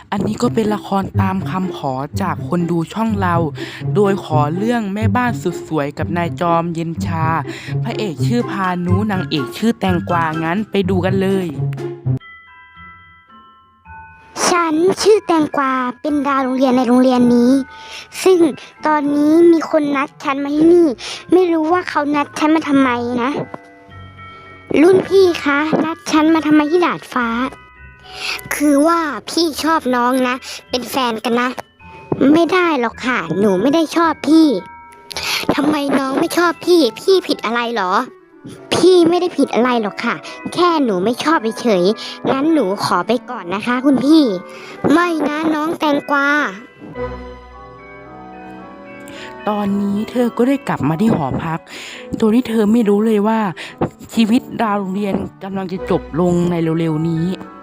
อันนี้ก็เป็นละครตามคำขอจากคนดูช่องเรา โดยขอเรื่องแม่บ้านสุดสวยกับนายจอมเย็นชา พระเอกชื่อพานุนางเอกชื่อแตงกวางั้นไปดูกันเลยฉันชื่อแตงกวาเป็นดาวโรงเรียนในโรงเรียนนี้ ซึ่งตอนนี้มีคนนัดฉันมาที่นี่ ไม่รู้ว่าเขานัดฉันมาทำไมนะ รุ่นพี่คะนัดฉันมาทำไมที่ดาดฟ้า คือว่าพี่ชอบน้องนะ เป็นแฟนกันนะ ไม่ได้หรอกค่ะ หนูไม่ได้ชอบพี่ทำไมน้องไม่ชอบพี่ พี่ผิดอะไรหรอ พี่ไม่ได้ผิดอะไรหรอกค่ะ แค่หนูไม่ชอบเฉยๆงั้นหนูขอไปก่อนนะคะ คุณพี่ ไม่นะน้องแตงกวาตอนนี้เธอก็ได้กลับมาที่หอพัก โดยที่เธอไม่รู้เลยว่า ชีวิตดาวโรงเรียนกำลังจะจบลงในเร็วๆนี้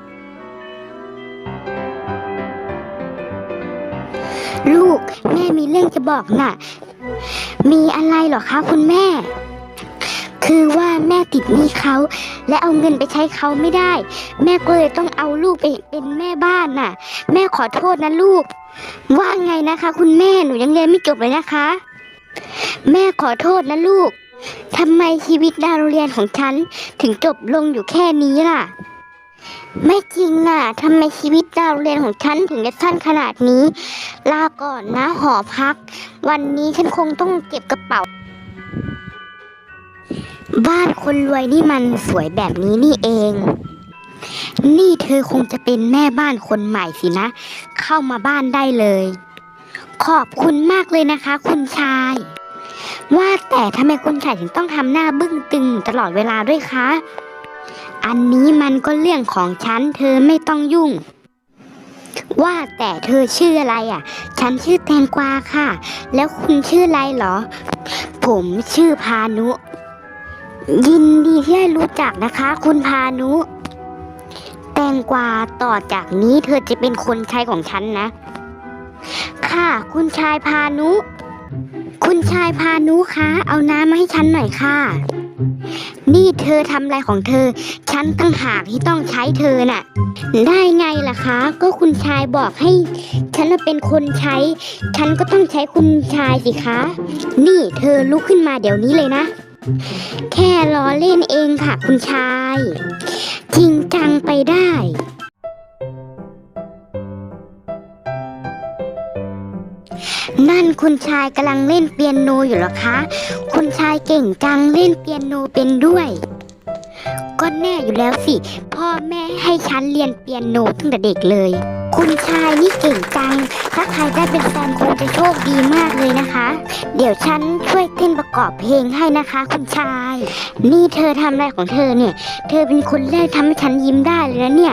ลูกแม่มีเรื่องจะบอกน่ะ มีอะไรเหรอคะคุณแม่ คือว่าแม่ติดหนี้เขาและเอาเงินไปใช้เขาไม่ได้ แม่ก็เลยต้องเอาลูกไปเป็นแม่บ้านน่ะ แม่ขอโทษนะลูก ว่าไงนะคะคุณแม่หนูยังเรียนไม่จบเลยนะคะ แม่ขอโทษนะลูกทำไมชีวิตดาวโรงเรียนของฉันถึงจบลงอยู่แค่นี้ล่ะ ไม่จริงน่ะทำไมชีวิตดาวโรงเรียนของฉันถึงจะสั้นขนาดนี้ ลาก่อนนะหอพัก วันนี้ฉันคงต้องเก็บกระเป๋า บ้านคนรวยนี่มันสวยแบบนี้นี่เอง นี่เธอคงจะเป็นแม่บ้านคนใหม่สินะ เข้ามาบ้านได้เลย ขอบคุณมากเลยนะคะ คุณชาย ว่าแต่ทำไมคุณชายถึงต้องทำหน้าบึ้งตึงตลอดเวลาด้วยคะ อันนี้มันก็เรื่องของฉันเธอไม่ต้องยุ่ง ว่าแต่เธอชื่ออะไรอ่ะ ฉันชื่อแตงกวาค่ะ แล้วคุณชื่ออะไรเหรอ ผมชื่อพานุ ยินดีที่ได้รู้จักนะคะ คุณพานุ แตงกวาต่อจากนี้เธอจะเป็นคนใช้ของฉันนะ ค่ะคุณชายพานุ คุณชายพานุคะเอาน้ำมาให้ฉันหน่อยค่ะ นี่เธอทำอะไรของเธอ ฉันตั้งหากที่ต้องใช้เธอน่ะ ได้ไงล่ะคะ ก็คุณชายบอกให้ฉันเป็นคนใช้ ฉันก็ต้องใช้คุณชายสิคะ นี่เธอลุกขึ้นมาเดี๋ยวนี้เลยนะ แค่ล้อเล่นเองค่ะคุณชาย จริงจังไปได้ นั่นคุณชายกำลังเล่นเปียโนอยู่เหรอคะ คุณชายเก่งจังเล่นเปียโนเป็นด้วย ก็แน่อยู่แล้วสิ พ่อแม่ให้ฉันเรียนเปียโนตั้งแต่เด็กเลย คุณชายนี่เก่งจัง ถ้าใครได้เป็นแฟนคงจะโชคดีมากเลยนะคะ เดี๋ยวฉันช่วยเต้นประกอบเพลงให้นะคะ คุณชาย นี่เธอทำอะไรของเธอเนี่ย เธอเป็นคนแรกทำให้ฉันยิ้มได้เลยนะเนี่ย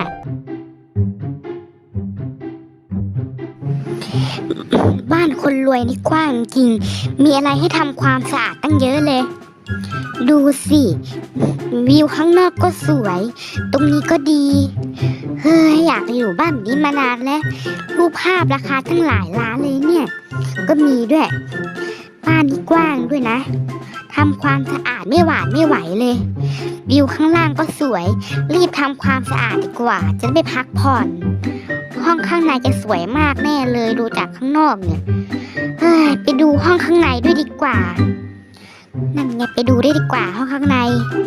บ้านคนรวยนี่กว้างจริง มีอะไรให้ทำความสะอาดตั้งเยอะเลย ดูสิ วิวข้างนอกก็สวย ตรงนี้ก็ดี เฮ้ยอยากอยู่บ้านแบบนี้มานานแล้ว รูปภาพราคาตั้งหลายล้านเลยเนี่ย ก็มีด้วย บ้านนี่กว้างด้วยนะ ทำความสะอาดไม่หวาดไม่ไหวเลย วิวข้างล่างก็สวย รีบทำความสะอาดดีกว่า จะได้ไปพักผ่อน ห้องข้างในจะสวยมากแน่เลยดูจากข้างนอกเนี่ย เฮ้ยไปดูห้องข้างในด้วยดีกว่า นั่นไงไปดูได้ดีกว่าห้องข้างใน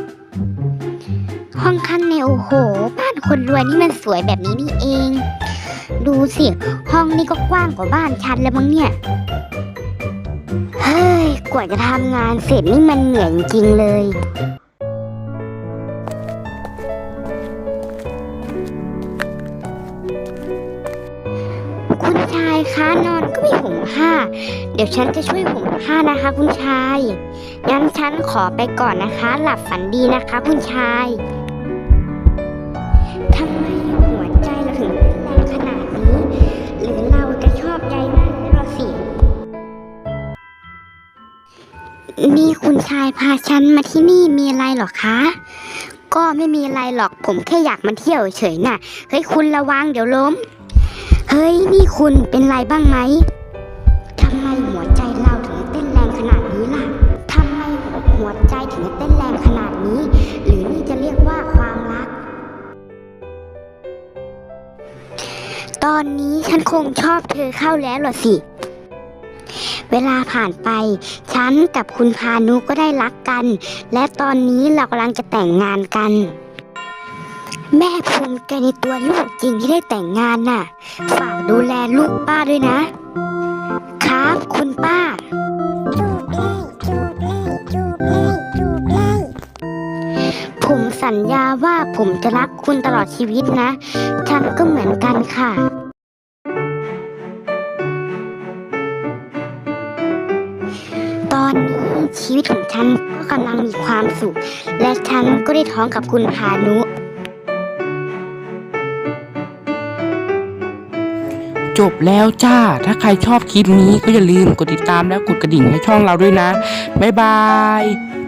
ห้องข้างในโอ้โห บ้านคนรวยนี่มันสวยแบบนี้นี่เอง ดูสิ ห้องนี้ก็กว้างกว่าบ้านฉันแล้วมั้งเนี่ย เฮ้ยกว่าจะทำงานเสร็จนี่มันเหนื่อยจริงๆเลย คุณชายคะนอนก็ไม่ห่มผ้า เดี๋ยวฉันจะช่วยห่มผ้านะคะคุณชาย งั้นฉันขอไปก่อนนะคะ หลับฝันดีนะคะคุณชายทำไมหัวใจเราถึงเต้นแรงขนาดนี้ หรือเราจะชอบใจมากเราสิ นี่คุณชายพาฉันมาที่นี่มีอะไรหรอคะ ก็ไม่มีอะไรหรอกผมแค่อยากมาเที่ยวเฉยๆน่ะ เฮ้ยคุณระวังเดี๋ยวล้ม เฮ้ยนี่คุณเป็นไรบ้างไหม ทำไมหัวใจเราถึงเต้นแรงขนาดนี้ล่ะ ทำไมหัวใจถึงเต้นแรงขนาดนี้ หรือนี่จะเรียกว่าความรัก ตตอนนี้ฉันคงชอบเธอเข้าแล้วเหรอสิ เวลาผ่านไป ฉันกับคุณพานุก็ได้รักกัน และตอนนี้เรากำลังจะแต่งงานกัน แม่ภูมิใจในตัวลูกจริงที่ได้แต่งงานน่ะ ฝากดูแลลูกป้าด้วยนะ ครับคุณป้า ผมสัญญาว่าผมจะรักคุณตลอดชีวิตนะ ฉันก็เหมือนกันค่ะ ตอนนี้ชีวิตของฉันก็กำลังมีความสุข และฉันก็ได้ท้องกับคุณพานุจบแล้วจ้า ถ้าใครชอบคลิปนี้ก็อย่าลืมกดติดตามและกดกระดิ่งให้ช่องเราด้วยนะ บ๊ายบาย